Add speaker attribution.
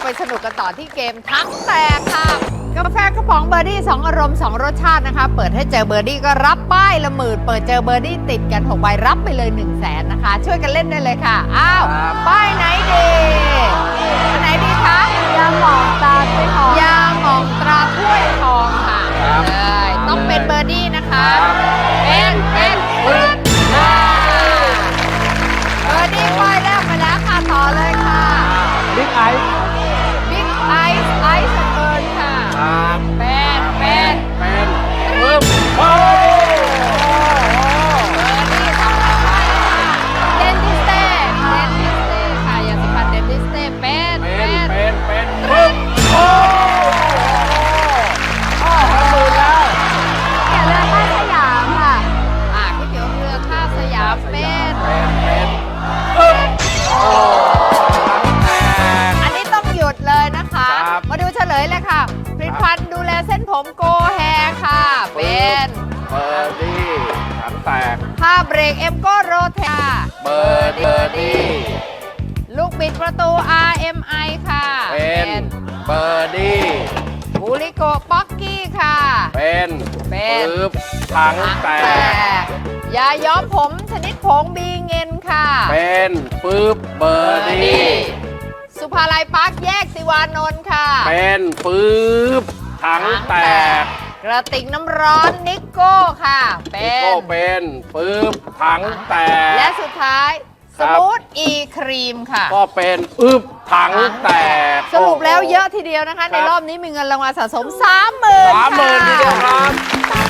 Speaker 1: ไปสนุกกันต่อที่เกมทั้งแตกค่ะกาแฟกระป๋องเบอร์ดี้2 อารมณ์ 2 รสชาตินะคะ เปิดให้เจอเบอร์ดี้ก็รับป้ายละหมื่นเปิดเจอเบอร์ดี้ติดกัน6 ใบรับไปเลย 100,000นะคะ ช่วยกันเล่นได้เลยค่ะอ้าวป้ายไหนดีไหนดีคะยาหมองตราถ้วยทองยาหมองตราถ้วยทองค่ะเลยต้องเป็นเบอร์ดี้นะคะเป็นเบอร์ดี้ป้ายแรกไปแล้วค่ะต่อเลยค่ะ
Speaker 2: บิ๊กไอซ์
Speaker 1: บิ๊กไอซ์ไอซ์เบิร์นค่ะเป็น
Speaker 2: เพิ่ม
Speaker 1: เบอร์ดี้ต้องไปค่ะเดนทิสเต้ค่ะยาสีฟันเดนทิสเต้เป็น
Speaker 2: เพิ่มโอ้หมื่นแล้ว
Speaker 1: เกี่ยวเรือท่าสยามค่ะก๋วยเตี๋ยวเรือท่าสยามเป็นอันนี้ต้องหยุดเลยนะคะ มาดูเฉลยเลยค่ะผลิตภัณฑ์ดูแลเส้นผมโกแฮค่ะเป็น
Speaker 2: เบอร์ดี้ถังแตก
Speaker 1: ผ้าเบรกเอ็มโกโรเทค่ะ
Speaker 2: เบอร์ดี้
Speaker 1: ลูกบิดประตู RMI ค่ะ
Speaker 2: เป็นเบอร์ดี้
Speaker 1: บูริโกป๊อกกี้ค่ะ
Speaker 2: เป็น
Speaker 1: เป็น
Speaker 2: ปึ๊บถังแตก
Speaker 1: ยาย้อมผมชนิดผงบีเงินค่ะ
Speaker 2: เป็นปึ๊บเบอร์ดี้
Speaker 1: สุภาลัยปาร์คแยกสิวานนท์ค่ะ
Speaker 2: เป็นปึ๊บถังแตก
Speaker 1: กระติกน้ำร้อนนิโก้ค่ะ เป็น
Speaker 2: ก็เป็นปึ๊บถังแตก
Speaker 1: และสุดท้าย
Speaker 2: ค
Speaker 1: ส
Speaker 2: รับ
Speaker 1: มูทอีครีมค่ะ
Speaker 2: ก็เป็นปึ๊บถังแตก
Speaker 1: สรุปแล้วเยอะทีเดียวนะคะ ในรอบนี้มีเงินรางวัลสะสม 30,000
Speaker 2: 30,000ทีเดียวครับ
Speaker 1: ค่ะ